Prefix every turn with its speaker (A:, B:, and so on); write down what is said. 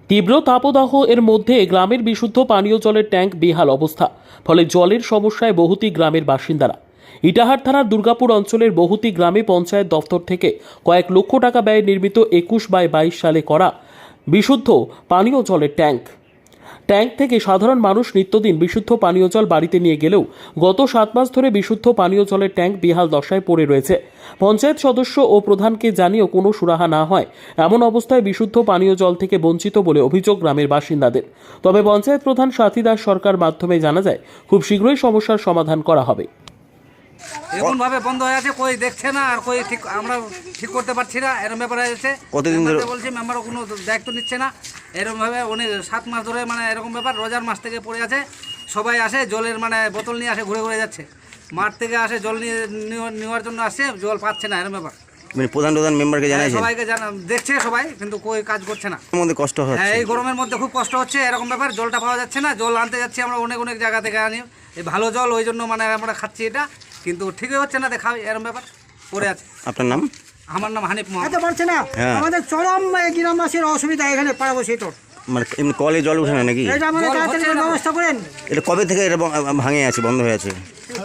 A: তীব্র তাপদাহ এর মধ্যে গ্রামের বিশুদ্ধ পানীয় জলের ট্যাঙ্ক বেহাল অবস্থা, ফলে জলের সমস্যায় বহুতি গ্রামের বাসিন্দারা। ইটাহার থানার দুর্গাপুর অঞ্চলের বহুতি গ্রামে পঞ্চায়েত দপ্তর থেকে কয়েক লক্ষ টাকা ব্যয়ে নির্মিত 21/22 সালে করা বিশুদ্ধ পানীয় জলের ট্যাঙ্ক থেকে সাধারণ মানুষ নিত্যদিন বিশুদ্ধ পানীয় জল বাড়িতে নিয়ে গেলেও গত 7 মাস ধরে বিশুদ্ধ পানীয় জলের ট্যাঙ্ক বেহাল দশায় পড়ে রয়েছে। পঞ্চায়েত সদস্য ও প্রধানকে জানিয়েও কোনো সুরাহা না হয় এমন অবস্থায় বিশুদ্ধ পানীয় জল থেকে বঞ্চিত বলে অভিযোগ গ্রামের বাসিন্দাদের। তবে পঞ্চায়েত প্রধান সাথী দাস সরকার মাধ্যমে জানা যায় খুব শীঘ্রই সমস্যার সমাধান করা হবে।
B: এমন ভাবে বন্ধ হয়ে আছে, কই দেখছে না আর কই ঠিক আমরা ঠিক করতে পারছি না, এরকম ব্যাপার হয়েছে।
C: কতদিন ধরে
B: বলছি মেম্বারও কোনো দায়িত্ব নিচ্ছে না, এরকম ভাবে উনি 7 মাস ধরে মানে এরকম ব্যাপার। রোজার মাস থেকে পড়ে আছে, সবাই আসে জলের মানে বোতল নিয়ে আসে, ঘুরে ঘুরে যাচ্ছে, মাঠ থেকে আসে জল নেওয়ার জন্য আসছে, জল পাচ্ছে না, এরকম ব্যাপার।
C: মানে প্রধান মেম্বারকে জানাইছেন?
B: সবাইকে দেখছে সবাই, কিন্তু কই কাজ করছে না।
C: এর মধ্যে কষ্ট হচ্ছে।
B: হ্যাঁ, এই গরমের মধ্যে খুব কষ্ট হচ্ছে, এরকম ব্যাপার। জলটা পাওয়া যাচ্ছে না, জল আনতে যাচ্ছি আমরা অনেক অনেক জায়গা থেকে আনি, এই ভালো জল, ওই জন্য মানে আমরা খাচ্ছি এটা, কিন্তু ঠিকই হচ্ছে না, দেখা এরকম ব্যাপার পড়ে আছে।
C: আপনার নাম?
B: আমার নাম হানিফ মোহাম্মদ।
D: এতে পারছে না,
C: হ্যাঁ।
D: আমাদের চরম গ্রামবাসীর অসুবিধা এখানে পাড়াবসী। তো
C: মানে এমনি কলে জল উঠে না নাকি?
D: এটা আমাদের
B: জল
D: তাড়াতাড়ি
B: হচ্ছে না।
D: ব্যবস্থা করেন।
C: এটা কবে থেকে এটা ভাঙে আছে, বন্ধ হয়ে আছে?